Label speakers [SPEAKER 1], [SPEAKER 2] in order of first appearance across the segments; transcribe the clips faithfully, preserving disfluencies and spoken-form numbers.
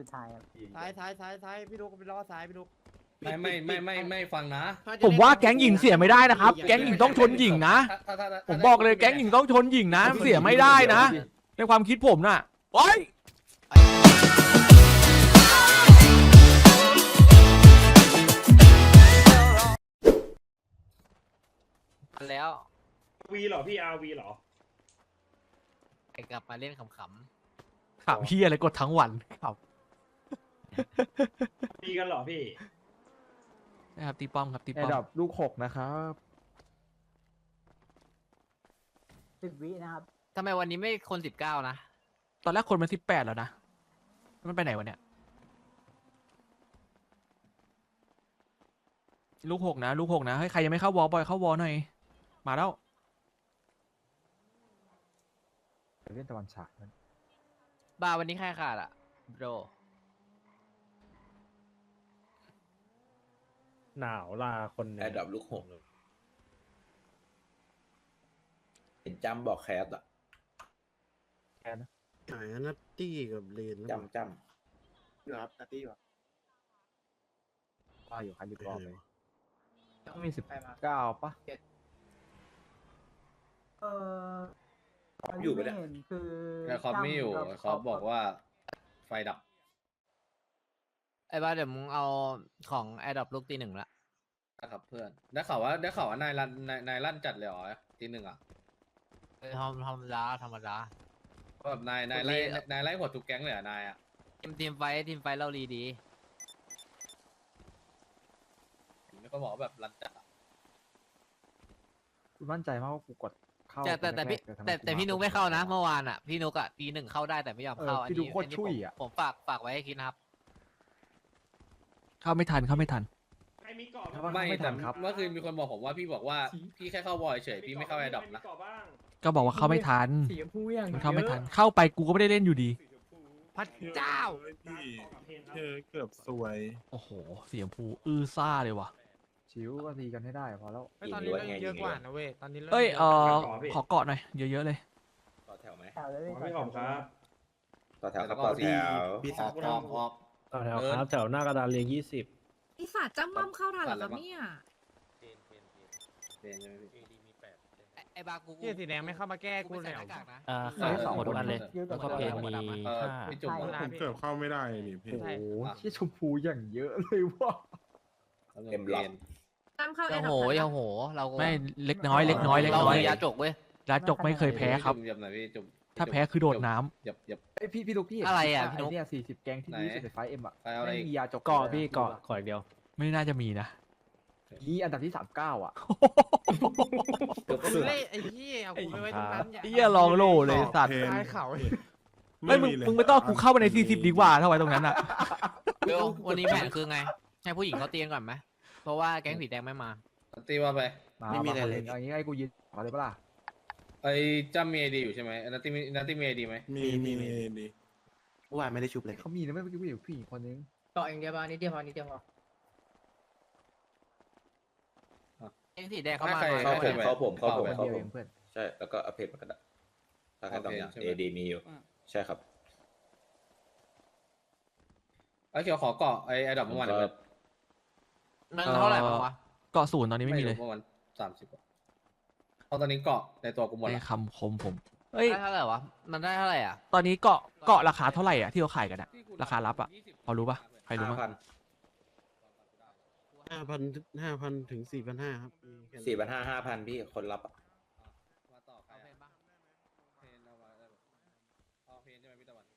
[SPEAKER 1] ท้ายครับ
[SPEAKER 2] ซ้ายซ้ายซ้ายซ้ายพี่นุกไปล้อซ้ายพี่นุก
[SPEAKER 3] ไม่ไม่ไม่ไม่ไม่ฟังนะ
[SPEAKER 4] ผมว่าแก๊งหญิงเสียไม่ได้นะครับแก๊งหญิงต้องชนหญิงนะผมบอกเลยแก๊งหญิงต้องชนหญิงนะเสียไม่ได้นะในความคิดผมน่ะโอ้ย
[SPEAKER 5] แล้ว
[SPEAKER 6] วีเหรอพี่อาร์วีเหรอ
[SPEAKER 5] กลับมาเล่นขำ
[SPEAKER 4] ถามพี่อะไรกดทั้งวันครับ
[SPEAKER 6] ตีกันเหรอพี่
[SPEAKER 4] นะครับตีป้อมครับตี
[SPEAKER 7] แอ
[SPEAKER 4] ป้อ
[SPEAKER 7] ร์
[SPEAKER 4] ม
[SPEAKER 7] ดับลูกหกนะครับ
[SPEAKER 1] สิบวินะครับ
[SPEAKER 5] ๆทำไมวันนี้ไม่คนสิบเก้านะ
[SPEAKER 4] ตอนแรกคนมันสิบแปดแล้วนะมันไปไหนวะเนี่ยลูกหกนะลูกหกนะเฮ้ยใครยังไม่เข้าวอลบอยเข้าวอลหน่อยมาแล้ว
[SPEAKER 7] เล่นตะวันฉากนั้น
[SPEAKER 5] บาร์วันนี้ใครขาดอ่ะโบร
[SPEAKER 6] หนาวลาคนหนึ่ง
[SPEAKER 8] แอดดับลูกหกเห็นจำบอกแคสอ่ะ
[SPEAKER 7] แค่นะ
[SPEAKER 2] หายนัตตี้กับเลน
[SPEAKER 8] จำจ
[SPEAKER 2] ครับนัตตี้วะ
[SPEAKER 7] ว่าอยู่ใครรีบรอบเลยต้องมีสิบเก้าปะ
[SPEAKER 1] เออ
[SPEAKER 8] ำอยู่ไปเนี่ย
[SPEAKER 1] เห็นคือ
[SPEAKER 3] แต่คอปไม่อยู่เขาบอกว่าไฟดับ
[SPEAKER 5] ไอ้บ้าเดี๋ยวมึงเอาของแอดดอปลูกตีหนึ่งละ
[SPEAKER 3] นะครับเพื่อนได้ข่าวว่าได้ข่าวว่านายรันนายนายลั่นจัดเลยเหรอทีหนึ่งอ่ะ
[SPEAKER 5] เออธรรมธรรมดาธรรมดา
[SPEAKER 3] แบบนายนายไล่นายไล่หัวทุกแก๊งเลยเหรอนายอ่ะ
[SPEAKER 5] ทีมทีมไฟท์ทีมไฟท์เราลีดี
[SPEAKER 3] แล้วก็บอกว่าแบบรันจัดอะ
[SPEAKER 7] กูมั่นใจมากว่ากูกดเข้า
[SPEAKER 5] แต่แต่แต่พี่
[SPEAKER 7] รกๆทำไม
[SPEAKER 5] แต่แต่
[SPEAKER 7] กู
[SPEAKER 5] พี่นุ๊กไม่เข้านะเมื่อวานอ่ะพี่นุ๊กอ่ะตีหนึ่งเข้าได้แต่ไม่ยอมเข้า
[SPEAKER 7] เออ
[SPEAKER 5] อัน
[SPEAKER 7] พี่
[SPEAKER 5] นี้
[SPEAKER 7] นุ๊กโคตร
[SPEAKER 5] อันนี้
[SPEAKER 7] ชุ่ย
[SPEAKER 5] ผม
[SPEAKER 7] อะ
[SPEAKER 5] ผมฝากฝากไว้ให้คิดนะครับ
[SPEAKER 4] เข้าไม่ทันเข้าไม่ทัน
[SPEAKER 6] ใครมีเกาะ
[SPEAKER 7] ถ้าว่า
[SPEAKER 3] ไม่
[SPEAKER 7] ไม่
[SPEAKER 3] แต่
[SPEAKER 7] ทันครับ
[SPEAKER 3] เมื่อคืนมีคนบอกผมว่าพี่บอกว่าพี่แค่เข้าวอยเฉยพี่ไม่เข้าแอร์ดรอปนะ
[SPEAKER 6] มีเกาะบ้าง
[SPEAKER 4] ก็บอกว่าเข้าไม่ทัน
[SPEAKER 2] สีชมพูอย่าง
[SPEAKER 4] มันเข้าไม่ทันเข้าไปกูก็ไม่ได้เล่นอยู่ดี
[SPEAKER 2] พระเจ้า
[SPEAKER 6] พี่เออ
[SPEAKER 9] เกือบสวย
[SPEAKER 4] โอ้โหเสียงภูอื้อซ่าเลยว่ะ
[SPEAKER 7] ชิวก็ตีกันให้ได้พอแล้ว
[SPEAKER 8] ตอนนี้เราเยอะกว่านะเว้ย
[SPEAKER 2] ตอนนี้
[SPEAKER 4] เอ้ยเออขอเกาะหน่อยเยอะๆเลย
[SPEAKER 8] ต่อแถวไหม
[SPEAKER 1] แถวเลย
[SPEAKER 6] พี่หอมครับ
[SPEAKER 8] ต่อแถวครับต่อแถว
[SPEAKER 3] ออกออกออก
[SPEAKER 6] ต่อแถวครับแถวหน้ากระดานเรียงยี่สิบ
[SPEAKER 10] ไอสัตว์จ้ำมั่มเข้าทันเหรอครับเนี่ย
[SPEAKER 3] เรียนใช่ไหมพี่
[SPEAKER 5] ไอ้ไอ้บากู
[SPEAKER 2] เหี้ยสีแดงไม่เข้ามาแก้กู
[SPEAKER 5] ไม่
[SPEAKER 2] แล้
[SPEAKER 5] ใส่ห
[SPEAKER 2] ว
[SPEAKER 5] น้ากากนะ
[SPEAKER 4] อ่า
[SPEAKER 7] ใช่สอง
[SPEAKER 4] หมด
[SPEAKER 7] คน
[SPEAKER 4] กันเลย
[SPEAKER 7] เลย
[SPEAKER 4] แล้วก็เพนมี
[SPEAKER 3] เออ
[SPEAKER 4] ห้า
[SPEAKER 3] พี่จุ๋ม
[SPEAKER 9] ผมเกือบเข้าไม่ได้นี่พี่
[SPEAKER 7] โอ้โหที่ชมพูอย่างเยอะเลยว่ะ
[SPEAKER 8] เต็มล็อก
[SPEAKER 10] จ้ำเข้า
[SPEAKER 5] อ
[SPEAKER 10] ไอ้
[SPEAKER 5] ย่า
[SPEAKER 10] ดอก
[SPEAKER 5] โห
[SPEAKER 10] ทัน
[SPEAKER 5] อย่า
[SPEAKER 10] ปะ
[SPEAKER 5] โหเรา
[SPEAKER 4] ไม่เล็กน้อยเล็กน้อยเล็ก
[SPEAKER 5] เรา
[SPEAKER 4] น้อย
[SPEAKER 5] คือยาจกเว้ย
[SPEAKER 4] ร้านจกไม่เคยแพ้ครับ
[SPEAKER 3] จุ่มหยับหน่อยพี่จุ่ม
[SPEAKER 4] ถ้าแพ้คือโดดน้ำ
[SPEAKER 3] หยับหยับ
[SPEAKER 7] ไอพี่พี่ลูกพี่เห็น
[SPEAKER 5] อะไรอะ
[SPEAKER 7] ไอ
[SPEAKER 5] พี่นุ๊ก
[SPEAKER 7] เนี่ยสี่สิบแกงที่
[SPEAKER 3] ไหน
[SPEAKER 7] ยี่สิบในไฟเอ็มอ่ะ
[SPEAKER 3] ใครเอาอะไร
[SPEAKER 7] ไม่มียาจก
[SPEAKER 6] เกาะพี่เกาะขออีกเดียว
[SPEAKER 4] ไม่น่าจะมีนะ
[SPEAKER 7] ยี่อันดับที่สามเก้าอ่ะ
[SPEAKER 8] เกือบสุด
[SPEAKER 2] เล่ไอ้ที่เอากูไปไว้ตรงนั้น
[SPEAKER 4] เหี้ยลองโลเลยสัตว์
[SPEAKER 9] เพน
[SPEAKER 2] ท้ายเขา
[SPEAKER 4] ไม่มึงมึงไม่ต้องกูเข้าไปในสี่สิบดีกว่าเท่าไหร่ตรงนั้นอ่ะ
[SPEAKER 5] เดี๋ยววันนี้แผนคือไงให้ผู้หญิงเขาเตียงก่อนไหมเพราะว่าแก๊งสีแดงไม่มา
[SPEAKER 3] ตีว่าไป
[SPEAKER 7] มาไม่มีอะไรเลยอย่างงี้ให้กูยืนมาเลยปะล่ะ
[SPEAKER 3] ไอ้จ้ามีไอดีอยู่ใช่ไหมนัตตี้มีนัตตี้มีไอดีไหม
[SPEAKER 9] มีมีดี
[SPEAKER 2] ว่าไม่ได้ชุบเลย
[SPEAKER 7] เขามีนะไม่เมื่อกี้ผู้หญิงผู้หญิงคนนึง
[SPEAKER 1] เกาะอย่างเดียวพอนิดเดียวพอนิดเดียวพอ
[SPEAKER 5] แก๊งสีแดงเขา
[SPEAKER 3] ถ้า
[SPEAKER 5] มา
[SPEAKER 3] ใคร
[SPEAKER 5] น้อย
[SPEAKER 8] เข้าผมเข้าผมเข้าผม
[SPEAKER 7] คน
[SPEAKER 8] เข้า
[SPEAKER 7] เดียว
[SPEAKER 8] ผ
[SPEAKER 7] เอ
[SPEAKER 8] ม
[SPEAKER 7] งเพื่อน
[SPEAKER 8] ใช่แล้วก็เอาเพจมากระดาษถ้าใครต้องอย่าง
[SPEAKER 3] เอาเพจใช่ไหม
[SPEAKER 8] เอดีมีอยู่ ใช่ครับ
[SPEAKER 3] ไอ้เขียวขอเกาะไอ้ไอ้ดอกเมื่อวาน
[SPEAKER 8] ก็
[SPEAKER 3] เลย
[SPEAKER 5] มันเท่าไหร่บ้างวะ
[SPEAKER 4] เกาะศูนย์ตอนนี้ไม่มีเลย
[SPEAKER 3] เมื่อวันสามสิบเพราะตอนนี้เกาะในตัวกูหมด
[SPEAKER 4] ใน
[SPEAKER 3] ละ
[SPEAKER 4] คำคมผมเอ้ย
[SPEAKER 5] ได้เท่าไหร่วะมันได้เท่าไหร่อ่ะ
[SPEAKER 4] ตอนนี้เกาะเกาะราคาเท่าไหร่อ่ะที่เขาขายกันอ่ะ ราคารับอ่ะ พอรู้ปะใครรู้
[SPEAKER 8] ห้า
[SPEAKER 4] มั้ง
[SPEAKER 8] พัน
[SPEAKER 2] ห้าพันห้าพันถึงสี่พันห้าครับ
[SPEAKER 8] สี่พันห้าห้าพันพี่คนรับอะ
[SPEAKER 3] มาต่อใคร
[SPEAKER 5] เอาเพ
[SPEAKER 3] อะ
[SPEAKER 5] นปะ
[SPEAKER 3] เพนเอาไว้ได้ปะเอาเพนใช่ไหมพี่ตะวัน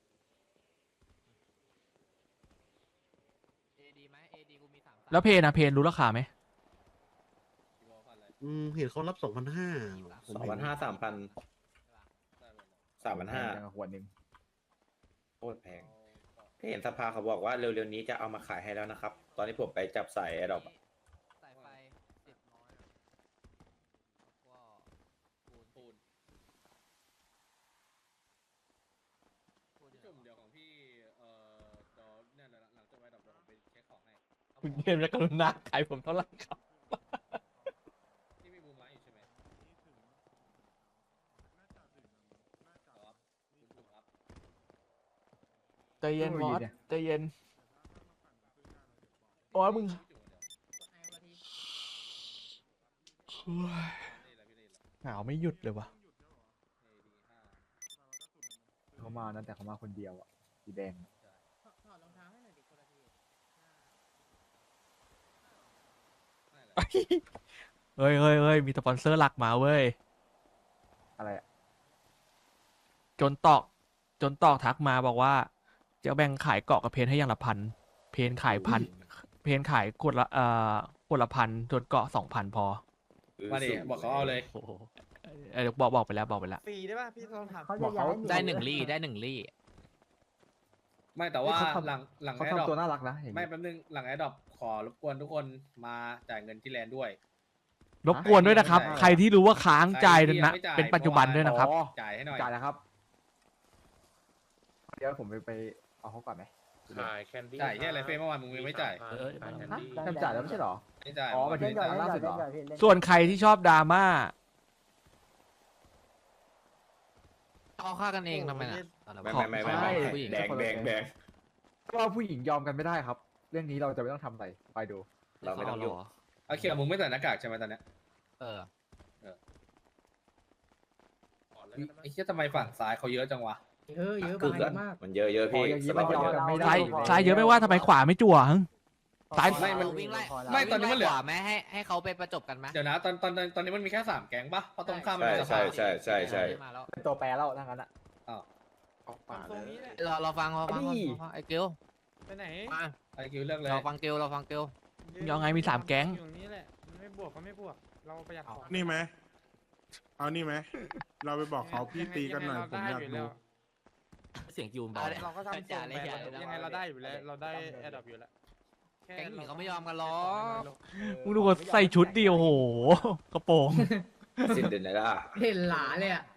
[SPEAKER 5] เอดีไหมเอดีกูมีสาม
[SPEAKER 4] แล้วเพนอะเพนรู้ราคาไหม
[SPEAKER 3] พี่บอกว่าอะไร
[SPEAKER 2] อืมเห็นเขารับสองพันห้า
[SPEAKER 8] สองพันห้าสามพัน
[SPEAKER 3] ได้หมดเลย
[SPEAKER 8] สามพันห้า
[SPEAKER 7] จังขวดหนึ่ง
[SPEAKER 8] โคตรแพงพี่เห็นสภาเขาบอกว่าเร็วๆนี้จะเอามาขายให้แล้วนะครับ ตอนนี้ผมไปจับใส่แอดดอป
[SPEAKER 5] สายไฟสิบน้อยแล้วก็ปูน
[SPEAKER 3] ปูน
[SPEAKER 5] ปูน
[SPEAKER 3] พี่จุ่มเดี๋ยวของพี่เอ่อเดี๋ยวเนี่ยเดี๋ยวหลังจากไว้ดับเดี๋ยวผมไปเช็คของให้
[SPEAKER 4] คุณเกมและกรุณาขายผมเท่าไหร่ครับ
[SPEAKER 3] ที่มีบูมไลท์อยู่ใช่ไหมครับคุณจุ่มครับ
[SPEAKER 4] แต่เย็นบอสใจเย็นบอสมึงหนาวไม่หยุดเลยวะ
[SPEAKER 7] เขามานั่นแต่เขามาคนเดียวอ่ะสีแดง
[SPEAKER 1] ถอดรองเท้าให้หน่อยดิคนละที
[SPEAKER 4] เฮ้ยเฮ้ยเฮ้ยมีสปอนเซอร์หลักมาเว้ย
[SPEAKER 7] อะไรอ่ะ
[SPEAKER 4] จนตอกจนตอกทักมาบอกว่าจะแบ่งขายเกาะกับเพนให้อย่างละพันเพนขายพันเพนขายขวดละเอ่อขวดละพันจนเกาะสองพันพอ
[SPEAKER 3] มาดิบอกเขาเอาเลย
[SPEAKER 4] เออบอกบอกไปแล้วบอกไปแล้ว
[SPEAKER 2] ฟรีได้ป่ะพี่ลองถาม
[SPEAKER 1] เขาจะย้าย
[SPEAKER 5] ได้หนึ่งลี่ได้หนึ่งลี่
[SPEAKER 3] ไม่แต่ว่า
[SPEAKER 7] เฮ้ยเขาทำ
[SPEAKER 3] หลังหลัง
[SPEAKER 7] เขา
[SPEAKER 3] แอดดอ
[SPEAKER 7] ทำตัว
[SPEAKER 3] ป
[SPEAKER 7] น่ารักนะอย่าง
[SPEAKER 3] ไม่
[SPEAKER 7] งี้
[SPEAKER 3] แป๊บนึงหลังแอดดอปขอรบกวนทุกคนมาจ่ายเงินที่แลนด์ด้วย
[SPEAKER 4] รบกวนด้วยนะครับ
[SPEAKER 3] ใช่
[SPEAKER 4] ใครที่รู้ว่าค้างจ่าย
[SPEAKER 3] ใครที่ยัง
[SPEAKER 4] นะ
[SPEAKER 3] ไม่จ่าย
[SPEAKER 4] เป็นปัจจุบันด้วยนะครับ
[SPEAKER 7] อ๋อ
[SPEAKER 3] จ่ายให้หน่อย
[SPEAKER 7] จ่ายแล้วครับ เดี๋ยวผมไปไปเอาเขาก่อนไหม
[SPEAKER 8] ขายแคนดี้
[SPEAKER 3] จ่ายแค่อะไรเฟรมเมื่อวานมึงไม่จ่าย
[SPEAKER 8] ขายแคนดี้
[SPEAKER 7] ท่านจ่ายแล้วไม่ใช่เหรอ
[SPEAKER 3] ไม่จ่าย
[SPEAKER 7] อ๋อ
[SPEAKER 3] เมื่อวาน
[SPEAKER 7] เล่นก่อน
[SPEAKER 3] ไม่จ่าย
[SPEAKER 7] ล่าสุดเหรอ
[SPEAKER 4] ส่วนใครที่ชอบดราม่า
[SPEAKER 5] เอาฆ่ากันเองทำไมน่ะ
[SPEAKER 8] ไม่ไม่ไม่ไม่ไม่
[SPEAKER 5] ผู้หญิง
[SPEAKER 8] แดงแดงแดง
[SPEAKER 7] ก็ว่าผู้หญิงยอมกันไม่ได้ครับ เรื่องนี้เราจะไม่ต้องทำอะไรไปดู
[SPEAKER 8] เราไม่ต้องยุ่ง
[SPEAKER 3] โอเคมึงไม่ใส่หน้ากากใช่ไหมตอนเนี้ย
[SPEAKER 5] เออ
[SPEAKER 3] ไอ้เหี้ยทำไมฝั่งซ้ายเขาเยอะจังวะ
[SPEAKER 1] เยอะเยอะ
[SPEAKER 8] คือ
[SPEAKER 1] ไป
[SPEAKER 8] กัน
[SPEAKER 1] มาก
[SPEAKER 8] มันเยอะเยอะพี่
[SPEAKER 7] อ๋ออย่างนี้
[SPEAKER 8] สลับ
[SPEAKER 7] มันยอม
[SPEAKER 8] เยอะ
[SPEAKER 7] กันไม่ได้
[SPEAKER 4] ซ้ายซ้ายเยอะไม่ว่าทำไมขวาไม่จั่วหึซ้าย
[SPEAKER 3] ไม่มัน
[SPEAKER 5] วิ่งไล่
[SPEAKER 3] ไม่ตอนนี้มันเหลือ
[SPEAKER 5] วิ่งไล่ขวาไหมให้ให้เขาไปประจบกันไหม
[SPEAKER 3] เดี๋ยวนะตอนตอนตอนนี้มันมีแค่สามแก๊งปะเพราะตรงข้ามมัน
[SPEAKER 8] ใช่
[SPEAKER 3] เป็นส
[SPEAKER 8] ใช่
[SPEAKER 3] ภา
[SPEAKER 8] ใช่ใช่ใช่
[SPEAKER 5] มาแล้ว
[SPEAKER 7] เป็นตัวแปรแล้วทั้งนั้นอ่ะ
[SPEAKER 3] อ้าว
[SPEAKER 2] ออกป่าเลย
[SPEAKER 5] เราเราฟังเราฟัง
[SPEAKER 7] ดิ
[SPEAKER 5] เราฟังไอ้เกล
[SPEAKER 2] ไปไหน
[SPEAKER 5] มา
[SPEAKER 3] ไอคิวเลือกเลย
[SPEAKER 5] เราฟังเกลเราฟังเกล
[SPEAKER 4] ยังไงมีสามแก๊ง
[SPEAKER 2] อยู่นี่แหละมันไม่บวกก็ไม่บวก เราประหยัดของ
[SPEAKER 9] นี่ไหม เอานี่ไหม เราไปบอกเขาพี่ตีกันหน่อยผมอยากดู
[SPEAKER 5] เสียงยูม
[SPEAKER 2] เรา
[SPEAKER 5] เบา
[SPEAKER 2] เราก็ทำ
[SPEAKER 5] จ่า
[SPEAKER 2] ส่ง
[SPEAKER 5] เล
[SPEAKER 2] ไป
[SPEAKER 5] ย
[SPEAKER 2] ยังไงเราได้อยู่แล้ว เราได้แอดดับอยู่แล้ว
[SPEAKER 5] แก๊งหนีเขาไม่ยอมกันหรอก
[SPEAKER 4] มึงดูว่าใส่ชุดเดียวโหกระโปรง
[SPEAKER 8] ซินเดอเรลล่า
[SPEAKER 1] เห็นหลาเลยอ่ะ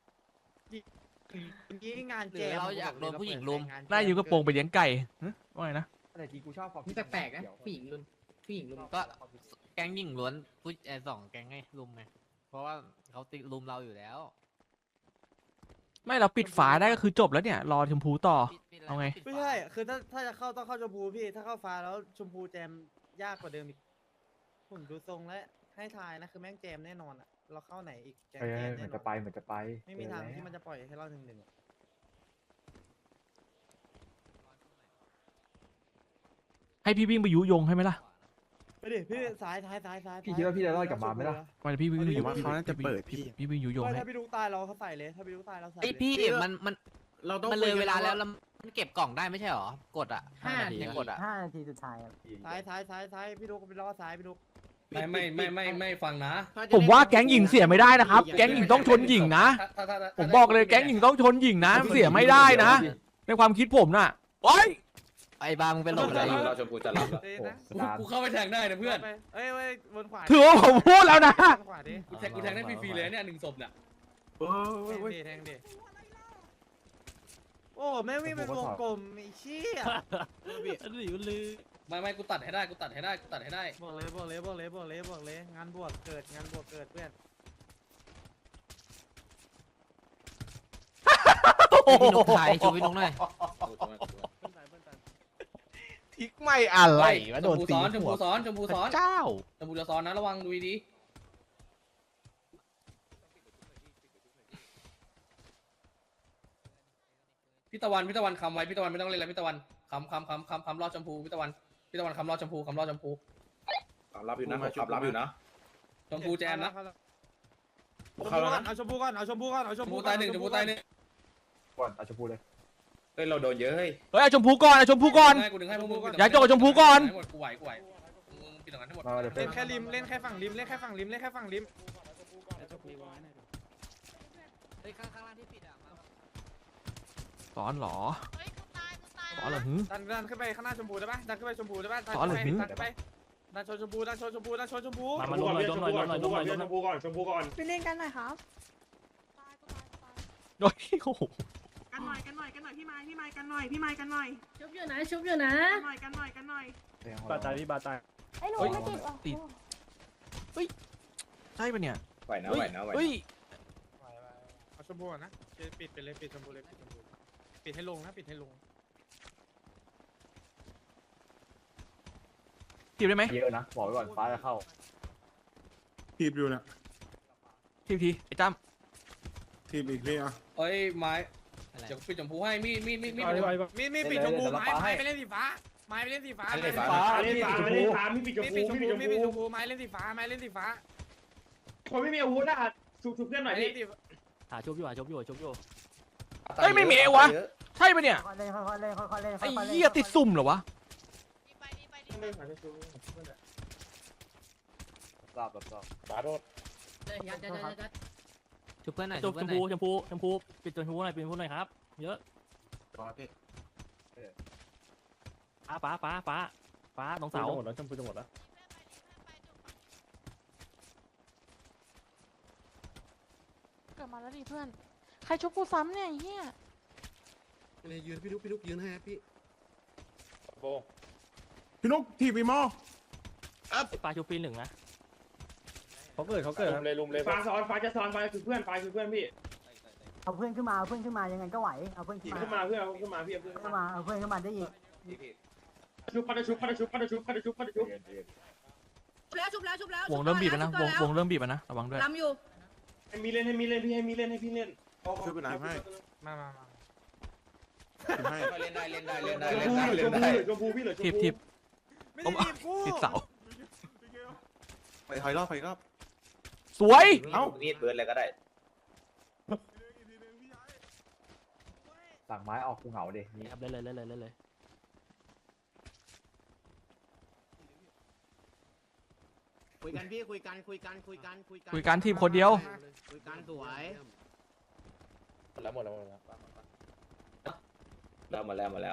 [SPEAKER 2] นี่งาน
[SPEAKER 5] หรือเราอยากโดนผู้หญิงลุม
[SPEAKER 4] น่าอยู่กระโปรงไปเลี้ยงไก่ฮะว่าไงนะ
[SPEAKER 7] แต่จริงกูชอบความ
[SPEAKER 1] นี่แปลกๆนะผู้หญิงรุนผู้หญิงรุน
[SPEAKER 5] ก็แก๊งหญิงล้วนผู้ไอ้สองแก๊งไงลุมไงเพราะว่าเขาติดลุมเราอยู่แล้ว
[SPEAKER 4] ไม่เราปิดฝาได้ก็คือจบแล้วเนี่ย รอชมพูต่อ เอาไง
[SPEAKER 2] ไม่ใช่ คือถ้าถ้าจะเข้าต้องเข้าชมพูพี่ ถ้าเข้าฟ้าแล้วชมพูแจมยากกว่าเดิมอีก ผมดูทรงแล้วให้ทายนะคือแม่งแจมแน่นอนอ่ะ เราเข้าไหนอีกแจม
[SPEAKER 7] เอ
[SPEAKER 2] แจ
[SPEAKER 7] อ
[SPEAKER 2] ม
[SPEAKER 7] เหมื
[SPEAKER 2] แน่
[SPEAKER 7] อน
[SPEAKER 2] นอ
[SPEAKER 7] จะ
[SPEAKER 2] น
[SPEAKER 7] ไปเหมือนจะไป
[SPEAKER 2] ไม่มีทาง
[SPEAKER 7] เจอ
[SPEAKER 2] ที่
[SPEAKER 7] แล้ว
[SPEAKER 2] มันจะปล่อยให้เราหนึ่งหนึ่ง
[SPEAKER 4] ให้พี่วิ่งไปยุยงให้ไหมล่ะ
[SPEAKER 2] ไปดิพี่ซ้ายซ้ายซ้ายซ้าย
[SPEAKER 7] พี่คิดว่าพี่จะรอดกลับมาไหมล่ะ
[SPEAKER 4] มาเดี๋ยวพี่วิ่งยุ
[SPEAKER 9] ว่าเขาน่าจะเปิดพี่
[SPEAKER 4] พี่วิ่งยุยง
[SPEAKER 2] ไม่
[SPEAKER 4] ให้
[SPEAKER 2] ถ้าพี่ลูกตายเราเขาใส่เลย ถ้าพี่ลูกตายเราใส่
[SPEAKER 5] ไอ
[SPEAKER 2] เลย
[SPEAKER 5] พี่มันมัน
[SPEAKER 2] เราต้อง
[SPEAKER 5] มันเลยเวลาแล้วแล้วมันเก็บกล่องได้ไม่ใช่หรอ กดอ่ะ
[SPEAKER 1] ห้านาที
[SPEAKER 5] ยังกดอ่ะ
[SPEAKER 1] ห้านาทีสุดท้ายครับ
[SPEAKER 2] ซ้ายซ้ายซ้ายซ้ายพี่ลูกไปล้อซ้ายพี่ลูก
[SPEAKER 3] ไม่ไม่ไม่ไม่ไม่ฟังนะ
[SPEAKER 4] ผมว่าแก๊งหญิงเสียไม่ได้นะครับ แก๊งหญิงต้องชนหญิงนะ
[SPEAKER 3] ถ้าถ้าถ้า
[SPEAKER 4] ผมบอกเลยแก๊งหญิงต้องชนหญิงนะเสียไม่ได้นะ ในความคิดผมน่ะโอ๊ย
[SPEAKER 5] ไอ้บามึงเป็นหลบ
[SPEAKER 8] จะ
[SPEAKER 5] อะไรอ
[SPEAKER 8] รั
[SPEAKER 5] ยู่
[SPEAKER 8] บเราชมพูจะรับแล้ว
[SPEAKER 2] เอ้ย
[SPEAKER 7] โอ้
[SPEAKER 2] นะ
[SPEAKER 7] สตาร์
[SPEAKER 3] กูเข้าไปแทงได้นะเพื่อน
[SPEAKER 2] ไปเอ้ยเอ้ยบนขวา
[SPEAKER 4] ถือว่าผมพูดแล้วนะ
[SPEAKER 2] บนขวาดิ
[SPEAKER 3] กูแทงกูแทงได้ฟรีๆเลยเนี่ยหนึ่งศพเนี่ย
[SPEAKER 9] เออ
[SPEAKER 2] แทงดิแทงดิโอ้แม่งวิ่งเป็นวงกลมไอ้เชี่ย
[SPEAKER 3] ไม่ไม่กูตัดให้ได้กูตัดให้ได้กูตัดให้ได้
[SPEAKER 2] บอกเลยบอกเลยบอกเลยบอกเลยบอกเลยงานบวกเกิดงานบวกเกิดเพื่อน
[SPEAKER 5] พี่นกไทยชูพี่นกหน่อย
[SPEAKER 4] ทิกไม่อะไร
[SPEAKER 3] วะโดนตีชมพูซ้อนชมพูซ้อน
[SPEAKER 4] เจ้า
[SPEAKER 3] ชมพูจะซ้อนนะระวังดูดีพี่ตะวันพี่ตะวันคำไว้พี่ตะวันไม่ต้องเล่นแล้วพี่ตะวันคำคำคำคำคำรอดชมพูพี่ตะวันพี่ตะวันคำรอดชมพูคำรอดชมพู
[SPEAKER 8] ความรับอยู่นะผมความรับอยู่นะ
[SPEAKER 3] ชมพูแจมนะ
[SPEAKER 8] เข้าแล้วนะ
[SPEAKER 2] เอาชมพูก่อนเอาชมพูก่อนเอาช
[SPEAKER 3] ช
[SPEAKER 2] ม
[SPEAKER 3] ม
[SPEAKER 2] พู
[SPEAKER 3] พูตายหนึ่งชมพูตายหนึ่ง
[SPEAKER 7] ก่อนเอาชมพูเลย
[SPEAKER 8] เฮ้ยเราโดนเยอะเฮ้ย
[SPEAKER 4] เฮ้ยเอาชมพูก่อนเอาชมพูก่อน
[SPEAKER 3] กูดึงให้พวกมึง
[SPEAKER 4] อย่าโจกชมพูก่อน
[SPEAKER 3] หมดกูไหวกูไหวมึงปิดตรงนั้นให้หมด
[SPEAKER 7] มาเดี๋ยวเฟร
[SPEAKER 2] เล่
[SPEAKER 7] ม
[SPEAKER 2] นแค่ริมเล่นแค่ฝั่งริมเล่นแค่ฝั่งริมเล่นแค่ฝั่งริม
[SPEAKER 5] เฮ้ยข้างข้างล่างที่ปิดอ่ะมา
[SPEAKER 4] สอนเหรอสอนเหรอหึ
[SPEAKER 2] ดันดันขึ้นไปข้างหน้าชมพูได้ปะดันขึ้นไปชมพูได้ปะดัน
[SPEAKER 4] สอนเหรอ
[SPEAKER 2] ขึ้นไปดันขึ้นไปดันชนชมพูดันชนชมพูดันชนชมพู
[SPEAKER 6] มามาลงหน่อยลงหน่อยลงหน่อยลงหน่อยลงหน่อยชมพูก่อนชมพูก่อน
[SPEAKER 10] ไปเล่นกันหน่อยครับ
[SPEAKER 4] โอ้ยโอ้โห
[SPEAKER 10] กันหน่อยกันหน่อยกันหน่อยพี่ไม้พี่ไม้กันหน่อยพี่ไม้กันหน่อย
[SPEAKER 1] ชุบอยู่นะชุบอยู่นะ
[SPEAKER 10] กันหน่อยกันหน่อยกันหน่อย
[SPEAKER 6] บาตายพี่บาตาย
[SPEAKER 1] ไอ้หนู
[SPEAKER 4] เฮ้ย
[SPEAKER 1] ไม่ติดอ่ะ
[SPEAKER 4] ติดเฮ้ยใช่ปะเนี่ย
[SPEAKER 8] ไหวนะไหวนะไหว
[SPEAKER 4] เฮ้ย
[SPEAKER 2] เอาชมพูก่อนนะปิดไปเลยปิดชมพูเลยปิดชมพูปิดให้ลงนะปิดให้ลง
[SPEAKER 4] ทีบได้ไหม
[SPEAKER 7] เยอะนะบอกไว้ก่อนฟ้าจะเข้า
[SPEAKER 9] ทีบอยู่เนี่ย
[SPEAKER 4] ทีบทีไอ้จ้
[SPEAKER 9] ทีบอีกพี่อ่ะ
[SPEAKER 3] เอ้ยไม้
[SPEAKER 5] อะไร
[SPEAKER 3] เดี๋ยวปิดชมพูให้มีดมีดมีดมีด
[SPEAKER 6] ไปไปไป
[SPEAKER 2] มีมีปิดชมพูไม้ไม้ไปเล่นสีฟ้าไม้ไปเล่นสีฟ้า
[SPEAKER 8] เล่นสี
[SPEAKER 6] ฟ้า
[SPEAKER 8] ฟ้า
[SPEAKER 6] เล่นฟ้าเล่นฟ้าพี่ปิดจ
[SPEAKER 2] มี
[SPEAKER 6] มู
[SPEAKER 2] ปิด
[SPEAKER 6] ก
[SPEAKER 2] ชม
[SPEAKER 6] พี่
[SPEAKER 2] พู
[SPEAKER 6] ปิดจ
[SPEAKER 2] มีปิดช
[SPEAKER 6] มู
[SPEAKER 2] ม
[SPEAKER 6] ก
[SPEAKER 2] พูไม้เล่นสีฟ้าไม้เล่นสีฟ้า
[SPEAKER 6] คนไม่มีอาวุธอ่ะชุบชุบเพื่อนหน่อย
[SPEAKER 2] ไม้
[SPEAKER 6] ดิ
[SPEAKER 2] เล่นสีฟ้า
[SPEAKER 5] หาชุบอยู่หาชุบอยู่ชุบอยู่
[SPEAKER 4] ำเอ้ยไม่มีเอวะใช่ปะเนี่ย
[SPEAKER 1] ค่อยๆเล่นค่อยๆเล่นค่อยๆเล่น
[SPEAKER 4] ไอ้เหี้ยติดซุ่มเหรอวะ
[SPEAKER 7] ทราบรับทราบ
[SPEAKER 6] ฟ้าโทษ
[SPEAKER 1] ยัดยัดยัดยัด
[SPEAKER 5] ชุบเพื่อนหน่อย
[SPEAKER 11] ช
[SPEAKER 5] ชุ
[SPEAKER 11] ม
[SPEAKER 5] บเพื่อนห
[SPEAKER 11] พู
[SPEAKER 5] น่อย
[SPEAKER 11] ชมพูชมพูปิดตัวชมพูหน่อยปิดชมพูหน่อยครับ เยอะฟ้าฟ้าฟ้าฟ้าฟ้าตรงเสา
[SPEAKER 6] หมดแล้วชมพูจะหมดแล้ว
[SPEAKER 10] กลับมาแล้วดิเพื่อน ใครชกกูซ้ำเนี่ยไอ้เฮีย
[SPEAKER 9] ยืนพี่ลุกพี่ลุกยืนให้พี่
[SPEAKER 6] โบ
[SPEAKER 9] พี่นุกทีบอีโม
[SPEAKER 11] ฟ้าชูปีหนึ่งนะ
[SPEAKER 6] เขาเกิดเขาเกิดเลยลุมเลยฟ้าซ้อนฟ้าจะซ้อนฟ้าคือเพื่อนฟ้าคือเพื่อนพี่
[SPEAKER 1] เอาเพื่อนขึ้นมาเอาเพื่อนขึ้นมายังไงก็ไหวเอาเพื่อนขึ้น
[SPEAKER 6] ขึ้น
[SPEAKER 1] มา
[SPEAKER 6] มาเพื่อนขึ้นมาพี่เพื่อน
[SPEAKER 1] ขึ้นมาเอาเพื่อนขึ้นมาได้อีก
[SPEAKER 6] ชุบพัดชุบพัดชุบพัดชุบพัดชุบพัดชุบ
[SPEAKER 10] แล้วชุบแล้วชุบแล้ว
[SPEAKER 4] วงเริ่มบีบแล้วนะวงวงเริ่มบีบแล้วนะระวังด้วย
[SPEAKER 10] ลำอยู่
[SPEAKER 6] ให้มีเล่นให้มีเล่นพี่ให้มีเล่นให้พี่เล่น
[SPEAKER 9] ช่วยไปไหนให้
[SPEAKER 2] มามามา
[SPEAKER 9] ทีบให้
[SPEAKER 8] เล่นได้เล่นได้เล่นได้
[SPEAKER 6] ช
[SPEAKER 8] เล่น
[SPEAKER 6] ม
[SPEAKER 8] ได้
[SPEAKER 6] พู
[SPEAKER 8] เล่
[SPEAKER 6] ช
[SPEAKER 8] น
[SPEAKER 6] มพู
[SPEAKER 8] ได้
[SPEAKER 6] ชมพูพี่เหลือชม
[SPEAKER 4] ทีบ
[SPEAKER 6] พู
[SPEAKER 4] ทีบ
[SPEAKER 2] ไม่ได้ทีบกู
[SPEAKER 4] ติดเสา
[SPEAKER 9] ไปถอยรอบถอยรอบ
[SPEAKER 4] สวย
[SPEAKER 8] เอ้ามีดเบิร์ดอะไรก็ได้
[SPEAKER 7] สั่งไม้ออกกูเหงาดินี่
[SPEAKER 11] ครับเล่นเลยเล่นเลยเล่นเลย
[SPEAKER 1] คุยกันพี่คุยกันคุยกันคุยกันคุยกัน
[SPEAKER 4] คุยกันทีมคนเดียว
[SPEAKER 1] คุยกันสวย
[SPEAKER 6] หมดแล้วหมดแล้วหมดแล้ว
[SPEAKER 8] เรามาแล้วมาแล้ว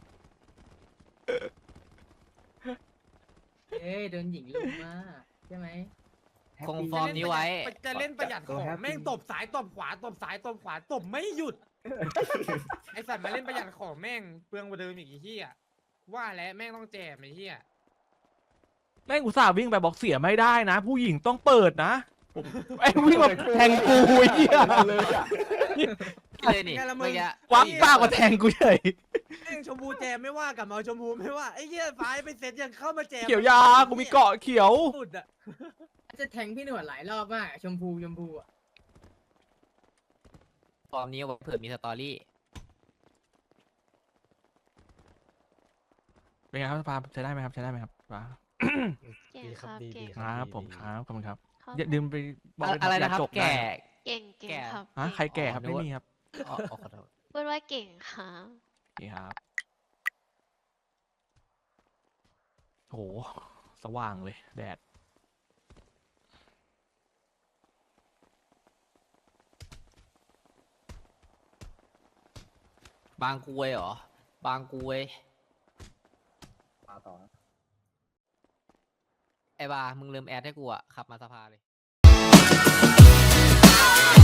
[SPEAKER 1] เอ้ยเดินหญิงลุมมาใช่ไหม
[SPEAKER 5] คงฟอร์มนี้ไว้
[SPEAKER 2] จะเล่นประหยัดของแม่งตบสายตบขวาตบสายตบขวาตบไม่หยุด ไอสัตว์มาเล่นประหยัดของแม่งเปลืองกว่าเดิมอีกไอ้เหี้ยว่าแล้วแม่งต้องแจมไอ้เหี้ย
[SPEAKER 4] แม่งอุตส่าห์วิ่งไปบอกเสียไม่ได้นะ ผู้หญิงต้องเปิดนะผมไอ้วิ่งมาแทงกูไอ้เหี้ย
[SPEAKER 7] เลยอ่ะ
[SPEAKER 5] เลยนี่
[SPEAKER 2] ไงละมึ
[SPEAKER 5] เมื่
[SPEAKER 2] ง
[SPEAKER 5] อกี้
[SPEAKER 4] ควักป้ากมาแทงกูเฉย
[SPEAKER 2] แม่งชมพูแจมไม่ว่ากับมาชมพูไม่ว่าไอ้เหี้ยฟ้าไปเซ็ตยังเข้ามาแจม
[SPEAKER 4] เขียวยากูมีเกาะเขียว
[SPEAKER 2] สุดอะ
[SPEAKER 1] จะแทงพี่หนวดหลายรอบมากชมพูชมพูอ่ะ
[SPEAKER 5] ฟอร์มนี้เอาไว้เผื่อมีสตอรี่
[SPEAKER 4] เป็นไงครับสภาใช้ได้ไหมครับใช้ได้ไหมครับสภา
[SPEAKER 10] เก่งครับเก่ง
[SPEAKER 4] ครับผมครับขอบคุณครับ
[SPEAKER 10] ครับ
[SPEAKER 4] อย่าลืมไปบอกเป็น
[SPEAKER 5] อะไรนะครับ
[SPEAKER 4] ยาจก
[SPEAKER 5] แก่
[SPEAKER 4] ได้
[SPEAKER 10] เก่งเก่ง
[SPEAKER 5] แก่
[SPEAKER 10] ครับ
[SPEAKER 4] ฮะใครแก่ครับ
[SPEAKER 5] อ๋อนึ
[SPEAKER 4] ไม่
[SPEAKER 5] กว่า
[SPEAKER 4] มีครับ
[SPEAKER 5] อ๋ออ๋อขอโทษ
[SPEAKER 10] พูดว่าเก่งค่ะ
[SPEAKER 4] โอเคครับโหสว่างเลยแดด
[SPEAKER 5] บางกรวยเหรอ บางกรวย
[SPEAKER 7] มาต่อนะ
[SPEAKER 5] ไอ้บา มึงลืมแอดให้กูอะขับมาสภาเลย